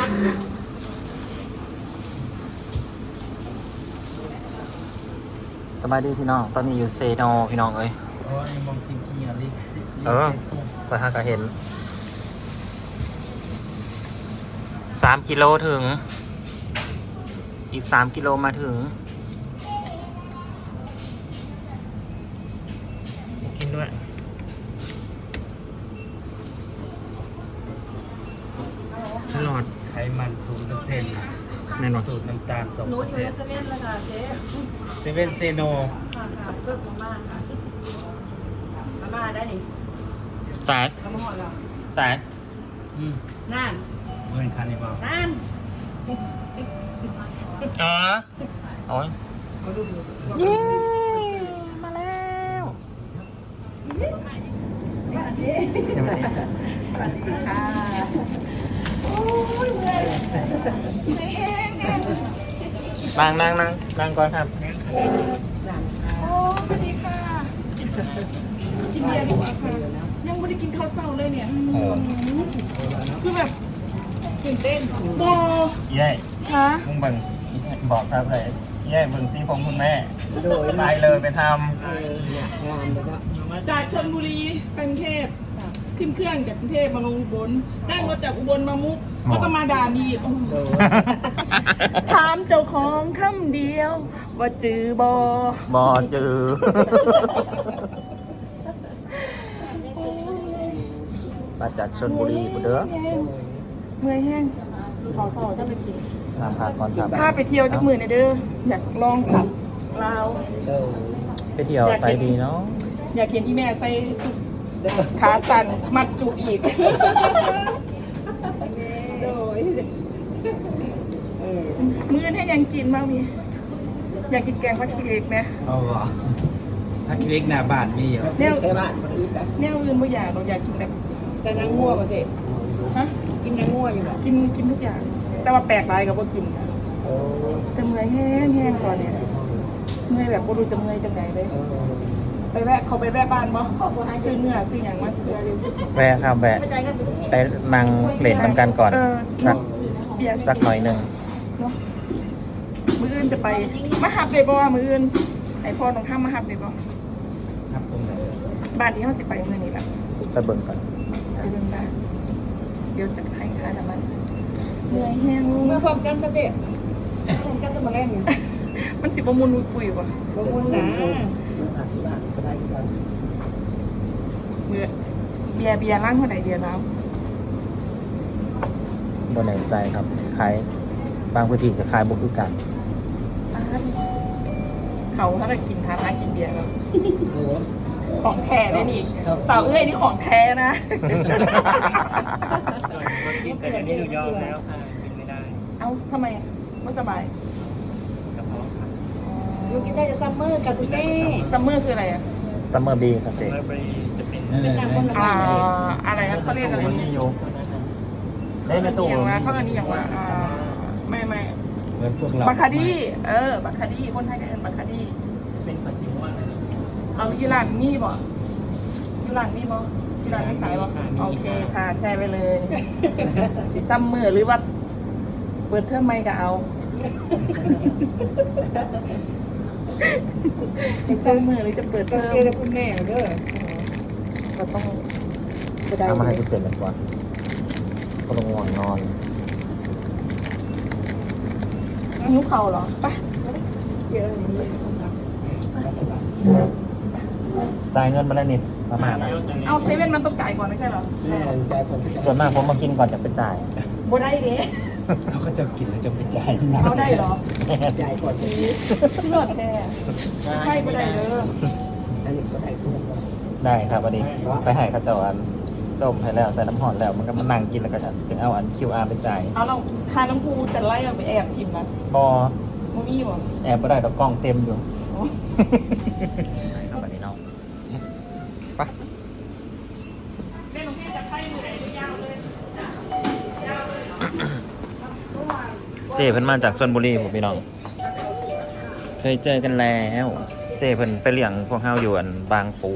สบายดีพี่น้องตอนนี้อยู่เซโนพี่น้องเอ้ยมองทีทีอ่ะลิกซิไปหาก็เห็น3 กิโลถึงอีก3 กิโลมาถึงกินด้วยตลอดไขมัน0% แน่นอนสูตรน้ำตาล2% หนูซื้อเซเว่นแล้วค่ะเจ๊เซเว่นเซโนค่ะเลิกมาม่าค่ะมาม่าได้ดิสายมาม่าเหรอสายนั่นเงินคันนี้เปล่านั่นอ๋อโอ้ยมาดูดูเย้มาแล้วสวัสดีสวัสดีค่ะโอ้ยเมื่อยไม่แห้งเนี่ยนั่งก่อนครับโอ้สวัสดีค่ะกินเบียร์ดีกว่าค่ะยังไม่ได้กินข้าวเช้าเลยเนี่ยคือแบบตื่นเต้นบอเย้คะมึงเบิ่งบอกทราบเลยเย้เบิ่งซีผมคุณแม่ไปเลยไปทจากชลบุรีไปกรุงเทพขึ้นเครื่องจากกรุงเทพมาลงอุบลนั่งรถจากอุบลมามุกแล้วก็มาด่านีโอ้โหถามเจ้าของคำเดียว ว่าจือบอบอจือมาจากชลบุรีบุเด้อเมื่อยแห้งขอสอบก็ไปกินทำพาก่อนครับพาไปเที่ยวจักมือในอยเด้ออยากลองขับลาวไปเที่ยวไซดีเนาะอยากเห็นที่แม่ใส่สุดขาสั่นมัดจุกอีกมื้อให้ยังกินบ้างมีอยากกินแกงผักขี้เหล็กไหมเอาเหรอพักเล็กหน้าบ้านมีเหรอแนวแนวอื่นบ่อยากเราอยากกินแบบจะนั่งง่วงป่ะเจ๊ฮะกินนั่งง่วงอยู่แบบกินทุกอย่าง แต่ว่าแปลกหลายกับบ่กินนะแต่เมื่อยแห้งตอนเนี้ยเมื่อยแบบบ่รู้จะเมื่อยจังไหนเลยไปแวะเขาไปแวะบ้านบ่ซื้อเนื้อซื้อหยังมาเพื่อเร็วแวะครับแวะไปนั่งเล่นมันกันก่อน สักเบียร์สักหน่อยหนึ่งเนาะมื้ออื่นจะไปมาหับเลยบ่มื้ออื่นไอพ่อต้องข้ามมาหับเลยบ่ครับตรงไหนบ้านที่เขาสิไปมื้อนี้ล่ะไปเบิ่งก่อนไปเบิ่งบ้านเดี๋ยวจะให้ค่าน้ำมันเหนื่อยแห้งเมื่อพร้อมกันซะเจ๊พร้อมกันจะมาแรงอยู่มันสิบ่มุนมุยปุยบ่บางคนนะเบียร์ร้านเท่าไหร่เบียร์แล้วบนแน่ใจครับขายบางพื้นที่จะขายบุกคือกันเขาถ้าจะกินทานร้านกินเบียร์แล้วของแท้ได้นี่สาวเอ้ยนี่ของแท้นะแต่เดี๋ยวนี้หนูยอมแล้วค่ะกินไม่ได้เอ้าทำไมไม่สบายกระเพาะค่ะหนูกินได้จะซัมเมอร์กับคุณแม่ซัมเมอร์คืออะไรอ่ะซัมเมอร์บีครับเจ๊แล้วไปจะเป็นเป็นน้ำคนละอะไรนะเขาเรียกอะไรมันมีอยู่ได้ในตู้อย่างว่าเขาอันนี้อย่างว่าไม่เหมือนพวกเราบัคคาดี้บัคคาดี้คนไทยก็เรียกบัคคาดี้เป็นปฏิวัติเอาอีหร่านมีบ่อีหร่านมีบ่อีหร่านไม่ขายบ่โอเคค่ะแชร์ไปเลยสิซัมเมอร์หรือว่าเปิดเทอมใหม่ก็เอาสิซัมเมอร์หรือจะเปิดเทก็อมเจอกับคุณแม่เด้อก็ต้องจะได้เอามาให้กูเสร็จแล้วก่อนก็ต้องง่วงนอนนิ้วเข่าเหรอไปเยอะอย่างนี้จ่ายเงินมาแล้วนี่ประมาณนะเอาเซเว่นมันต้องจ่ายก่อนไม่ใช่เหรอส่วนมากผมมากินก่อนจะไปจ่ายบ่ได้เด้เขาก็จะกินแล้วจะไปจ่ายหนักเอาได้เหรอจ่ายก่อนเลือดแท้ใช่บ่ได้เด้ออันนี้ก็ได้ทุกคนได้ครับวันนี้ไปให้เขาเจ้าอันต้มให้แล้วใส่น้ำหอมแล้วมันก็มานั่งกินแล้วก็จะถึงเอาอัน QR ไปจ่ายเอาเราทานน้ำพูจะไล่เอาไปแอบทิมนะบอบ่มีบ่แอบไม่ได้ดอกกล้องเต็มอยู่เอาไปนี่น้องไปเล่นของพี่จะไพ่มือไหนยาวเลยเจเพิ่นมาจากชลบุรีผมพี่น้องเคยเจอกันแล้ว เจเพิ่นไปเลี้ยงพวกเฮาอยู่อันบางปู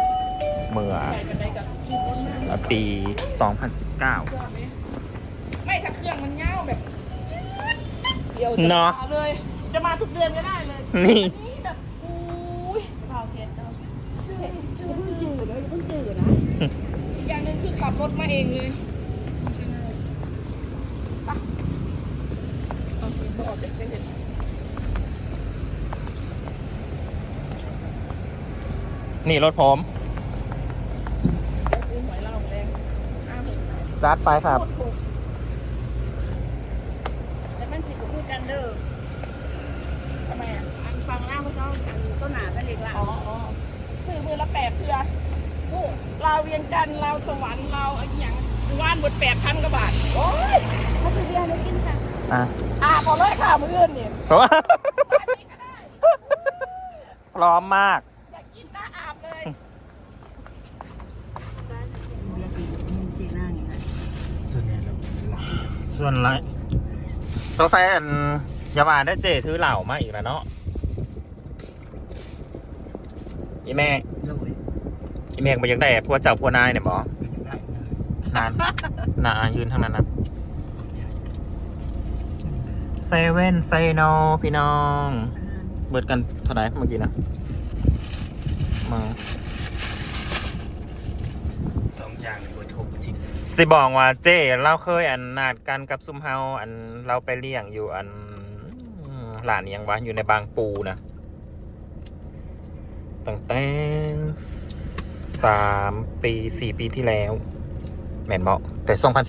เมื่อปี 2019 ไม่ถ้าเครื่องมันเง่าแบบเดี๋ยวเนาะเลย จะมาทุกเดือนก็ได้เลยนี่อันนี้แบบอุ้ยเผาเพชรเนาะเพิ่งจืดเลยเพิ่งจืดนะอีกอย่างหนึ่งคือขับรถมาเองเลยไปเอาสิบ่ออกจากเส้นเลยนี่รถผมซื้อหวยเหล้าแรง50,000 จัดไปครับโคตรถูกแต่มันสิบคู่กันเด้อทำไมอ่ะอันฟังล่างเขาอันต้นหนาเป็นเล็กละอ๋อซื้อมือละ8เพื่อลาวเวียงจันทร์ลาวสวรรค์ลาวอะไรอย่างว่านหมด8,000กว่าบาท โอ้ยเขาซื้อเบียร์ให้กินค่ะอ่ะพอเลยค่ะมืออื่นเนี่ยเพราะว่าอันนี้ก็ได้พร้อมมากอยากกินตาอาบเลยเบียร์กินจีน่าอย่างนี้ส่วนใหญ่เราหลับส่วนไรสงสัยอันอยามาได้เจถือเหล่ามาอีกแล้วเนาะอีแม่เลยอีแม่มันยังได้พวกเจ้าพวกนายเนี่ยบอไม่ได้เลยนานนายืนทางนั้นนะเซเว่นไซโนพี่น้องเบิดกันเท่าไหร่เมื่อกี้นะมา 2 อย่างบน60 สิบอกว่าเจ้เราเคยอันนัดกันกับซุมเฮาอันเราไปเลี้ยงอยู่อันหลานยังวะอยู่ในบางปูนะตั้งแต่3 ปี 4 ปีที่แล้วแม่นบอกแต่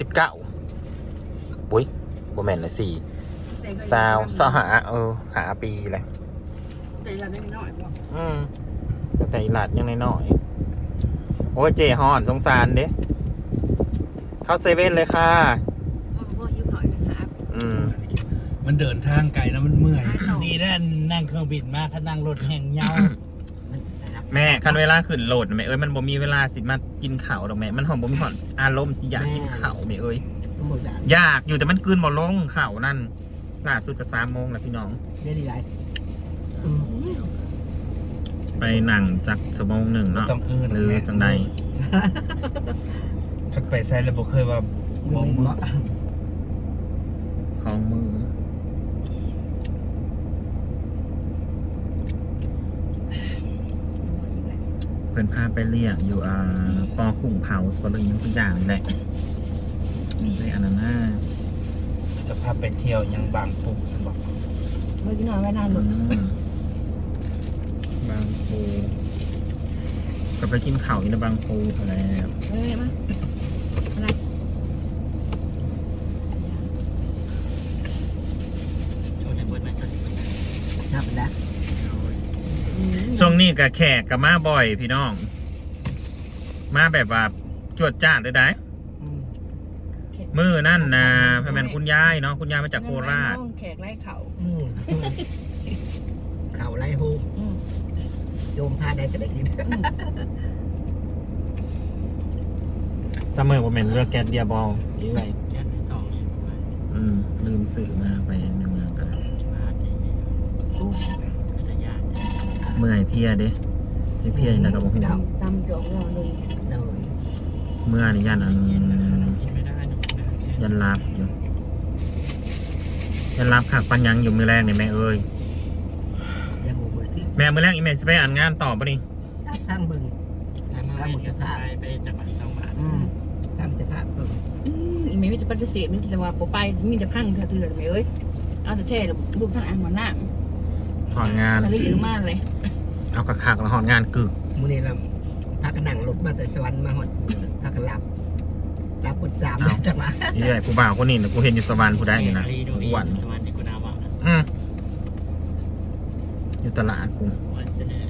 2019อุ้ยบ่แม่นเลย4 สาวหาหาปีเลยแต่เราได้น้อยกว่าแต่อีหลัดยังน้อยๆโอ้ยเจฮอนสงสารเด้เข้าเซเว่นเลยค่ะพ่อยิ้วถอยนะครับมันเดินทางไกลนะมันเมื่อยดีนะนั่งเครื่องบินมาถ้านั่งรถแห่งเหงาแม่คันเวลาขึ้นโหลดแม่เอ้ยมันบ่มีเวลาสิมากินข้าวดอกแม่มันหอมบ่มีหอนอารมณ์สิอยากกินข้าวแม่เอ้ยสมบูรณ์แบบอยากอยู่แต่มันกลืนบ่ลงข้าวนั่นล่าสุดก็3 โมงแล้วพี่น้องเรียนอะไรไปนั่งจัก1 ชั่วโมงเนาะต้องเอิ้นหรือจังใดคันไปใส่แล้วบ่เคยว่าบ่มือของมือเพิ่นพาไปเรียกอยู่ปอกุ้งเผาสปอร์ตยังสักอย่างนี่แหละในอันนั้นน่ะจะพาไปเที่ยวยังบางปูสมบัติเมื่อกี้นอนไม่นานหมดบางปูก็ไปกินข้าวอินบางปูเท่าแล้วเฮ้ยมาอะไรโชว์ในเบิร์ดนะนับนะช่วงนี้กับแขกกับมาบ่อยพี่น้อง มาแบบว่าจวดจ้าดเลยได้มือนั่นนะพ่อแม่นคุณยายเนาะคุณยายมาจากโคราชแขกไล่เขาเข่าไล่หูโยมพาได้ก็ได้กินเสมอพ่อแม่นเลือกแกนเดียบอลยี่ไรแค่ที่2นี่ลืมสื่อมาไปในเมืองกันก็จะยากเมื่อยเพลียเด้เพลียนะกับผมตำจอกเราเลยโดยเมื่อนี่ยันอันกินไม่ได้นะยันลาบอยู่ยันลาบขักปัญญังอยู่มือแรกเนี่ยแม่เอ้ยยังบ่เบื่อที่แม่มือแรกอีเมลสไปอ่านงานต่อปะนี่ทางบึงถ้ามาจะไปจากบ้านต้องมาทำจะภาพบึงอีเมย์มีแต่ปฏิเสธมีแต่ว่าปไปมีแต่พังเถื่อนๆไหมเอ้ยเอาแต่แท้รูปทางอ่านหัวหน้าถอนงานทะเลลงมาเลยเอากระคักแล้วถอนงานกึกมื้อนี้เราพากันนั่งรถมาแต่สวรรค์มาหอดพากันหลับปุด3จังหวะนี่แหละกูบ่าวคนนี้นะกูเห็นอยู่สวรรค์กูได้อยู่นะอ้วนสมาธิกุณาวะนะอยู่ตลาดกูวันเสนอ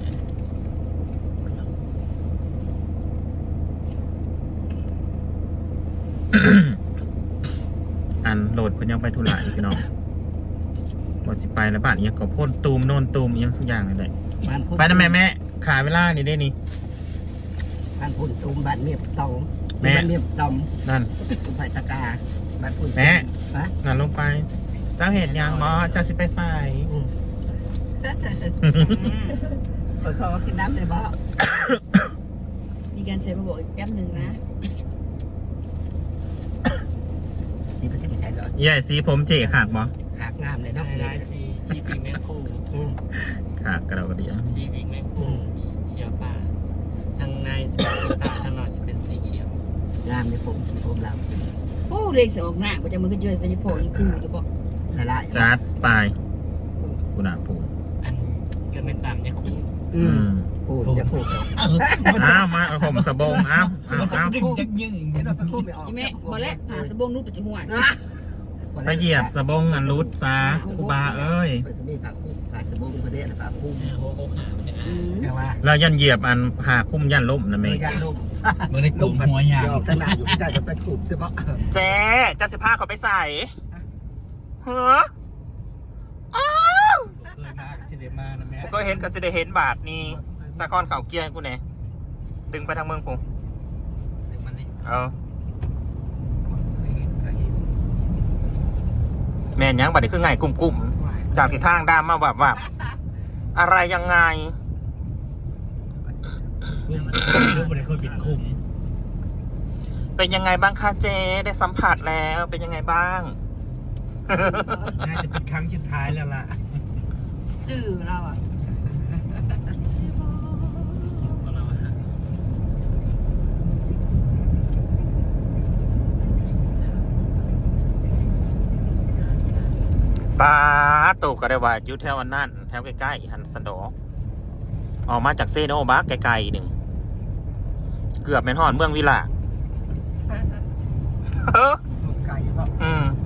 อันโหลดเพิ่นยังไปทุระอยู่พี่น้องบ่สิไปแล้วบ้านอีหยังก็พ่นตูมโน่นตูมอีหยังสักอย่างเลยได้บ้านพุ่นไปนะแม่ขาเวลานี่ได้นี่บ้านพุ่นตูมบ้านเมียบตองแม่บ้านเมียบตอมนั่นสุไผ่ตะกาบ้านพุ่นแม่ฮะนั่นลงไป เจ้าเห็นยังบ่เจ้าสิไปใส่ขอขึ้นน้ำเลยบ่มีการเซ็นมาบอกอีกแป๊บหนึ่งนะที่ประเทศไทยใหญ่สีผมเจ๋ขากบ่ขากงามเลยเนาะลายซีปีกแมงคู่ขากกระเดียวซีปีกแมงคู่เขียวป่าทางในจะเป็นสีป่าทางนอกจะเป็นสีเขียวงามในผมเราโอ้เลยสออกหน้าก็จะมันก็เจอจะพอนี่กูจะบอกละลายจัดไปกูหนาผูอันก็เป็นตามเนี่ยคู่พูดอย่าพูดอ้าวมาเอาผมสบงอ้าวมันจะอ้าวยึงจักยึงเห็นว่าไปพูดไม่ออกใช่ไหมบอกแล้วหาสบงนู้นปัจจุบันไปเหยียบสบงอันรุดซากูบาเอ้ยไปมีผักคู่ผักสบู่ประเดี๋ยวผักคู่โอ้โหหาเนี่ยแต่ว่าแล้วยันเหยียบอันหาคุ้มยันล่มนะเมยาลุ่มมันในกลุ่มหัวยางขนาดอยู่ที่ได้จะไปขูดใช่ปะเจ๊จะสิผ้าเขาไปใส่เฮ้ออ้าวเคยมาสิเดมานะแม่กูก็เห็นก็จะได้เห็นบาทนี่สะคอนเขาเกียร์กูเนี่ยตึงไปทางเมืองกูมันนี่เอาเคยเห็นแม่นยังบัดนี้คือไงกลุ่มๆจากทิศทางด้ามมาแบบอะไรยังไงรูปมันเคยปิดคุมเป็นยังไงบ้างคะเจ๊ได้สัมผัสแล้วเป็นยังไงบ้างน่าจะเป็นครั้งสุดท้ายแล้วล่ะจื้อเราอ่ะป้าตูก็ได้ว่าอยู่แถวอันนั้นแถวใกล้ๆหันสันโดออกมาจากเซโนบักไกลๆหนึ่งเกือบแม่นฮอดเมืองวิลาไก่ปะอืม